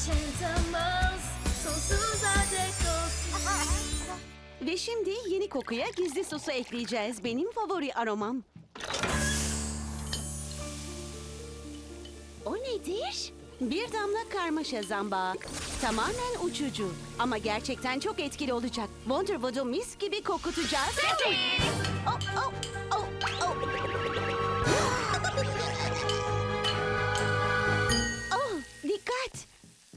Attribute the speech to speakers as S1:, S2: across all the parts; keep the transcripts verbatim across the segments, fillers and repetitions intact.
S1: Enchantimals sonsuza dek olsun.
S2: Ve şimdi yeni kokuya gizli sosu ekleyeceğiz. Benim favori aromam.
S3: O nedir?
S2: Bir damla karmaşa zambağı. Tamamen uçucu ama gerçekten çok etkili olacak. Wonderwood'u mis gibi kokutacağız. Oh, oh, oh, oh. Oh, dikkat.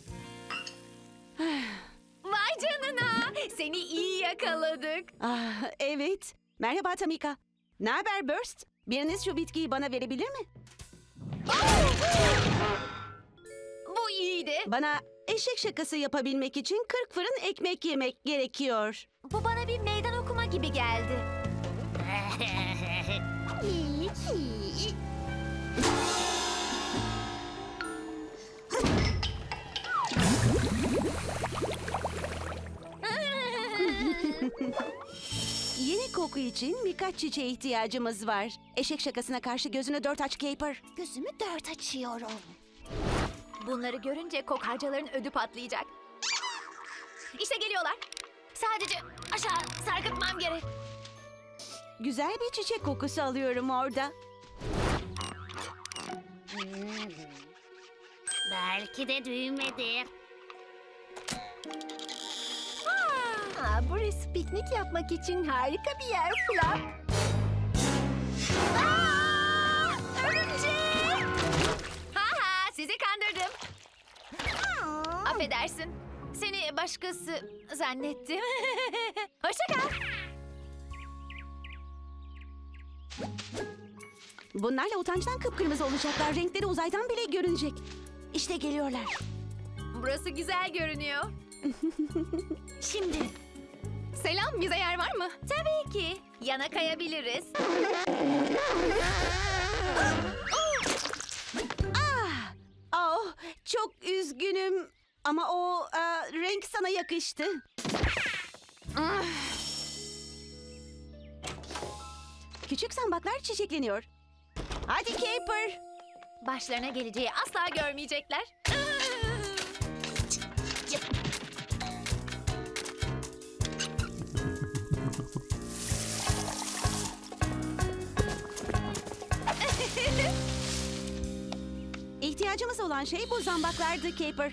S1: Vay canına. Seni iyi yakaladık.
S2: Ah, evet. Merhaba Tamika. Ne haber Burst? Biriniz şu bitkiyi bana verebilir mi?
S1: Bu iyiydi.
S2: Bana eşek şakası yapabilmek için kırk fırın ekmek yemek gerekiyor.
S1: Bu bana bir meydan okuma gibi geldi.
S2: Yeni koku için birkaç çiçeğe ihtiyacımız var. Eşek şakasına karşı gözünü dört aç Caper.
S3: Gözümü dört açıyorum.
S1: Bunları görünce kokarcaların ödü patlayacak. İşte geliyorlar. Sadece aşağı sarkıtmam gerek.
S2: Güzel bir çiçek kokusu alıyorum orada.
S3: Belki de düğmedir.
S1: Aa, burası piknik yapmak için harika bir yer Flap. Aa, örümcek! Ha ha, sizi kandırdım. Affedersin. Seni başkası zannettim. Hoşça kal.
S2: Bunlarla utançtan kıpkırmızı olacaklar. Renkleri uzaydan bile görünecek. İşte geliyorlar.
S1: Burası güzel görünüyor.
S2: Şimdi.
S1: Selam, bize yer var mı? Tabii ki. Yana kayabiliriz.
S2: Ah! Oh, çok üzgünüm. Ama o e, renk sana yakıştı. Küçük zambaklar çiçekleniyor. Hadi Caper.
S1: Başlarına geleceği asla görmeyecekler.
S2: İhtiyacımız olan şey bu zambaklardı Caper.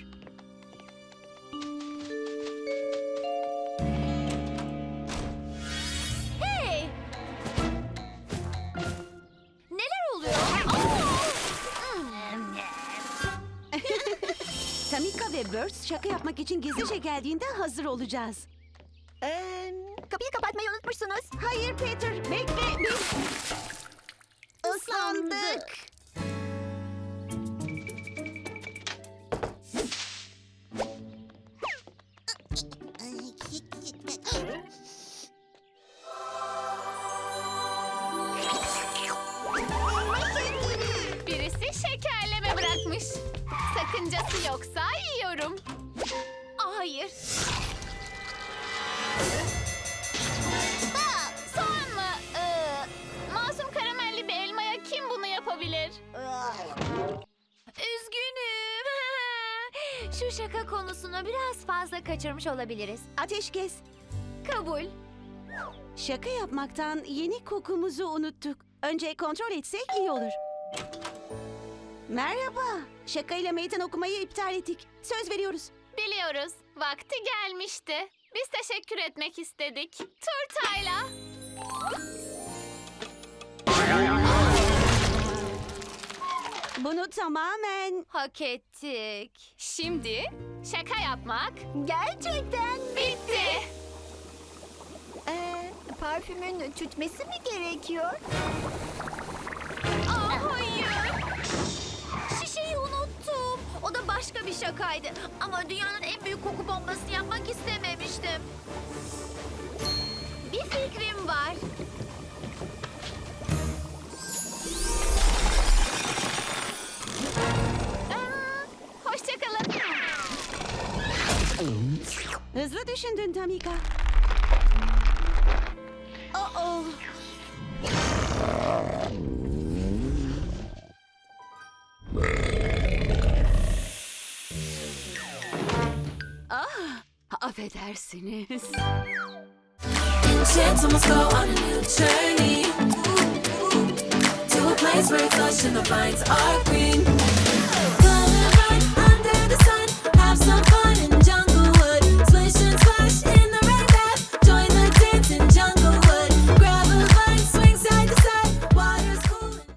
S1: Hey! Neler oluyor?
S2: Tamika ve Burst şaka yapmak için gizlice geldiğinde hazır olacağız.
S3: Ee, kapıyı kapatmayı unutmuşsunuz.
S2: Hayır Peter, bekle. Biz ıslandık.
S1: Birisi şekerleme bırakmış. Sakıncası yoksa yiyorum. Aa, hayır. Aa, soğan mı? Ee, masum karamelli bir elmaya kim bunu yapabilir? Üzgünüm. Şu şaka konusunu biraz fazla kaçırmış olabiliriz.
S2: Ateşkes.
S1: Kabul.
S2: Şaka yapmaktan yeni kokumuzu unuttuk. Önce kontrol etsek iyi olur. Merhaba. Şakayla meydan okumayı iptal ettik. Söz veriyoruz.
S1: Biliyoruz. Vakti gelmişti. Biz teşekkür etmek istedik. Turtayla.
S2: Bunu tamamen...
S1: Hak ettik. Şimdi şaka yapmak gerçekten bitti.
S3: Ee, parfümün tütmesi mi gerekiyor?
S1: Aa, hayır. Şişeyi unuttum. O da başka bir şakaydı. Ama dünyanın en büyük koku bombasını yapmak istememiştim. Bir fikrim var. Aa, hoşça kalın.
S2: Hızlı düşündün Tamika. Oh oh. Affedersiniz.
S4: Enchantments go on a new journey to a place where touch and the vines are green.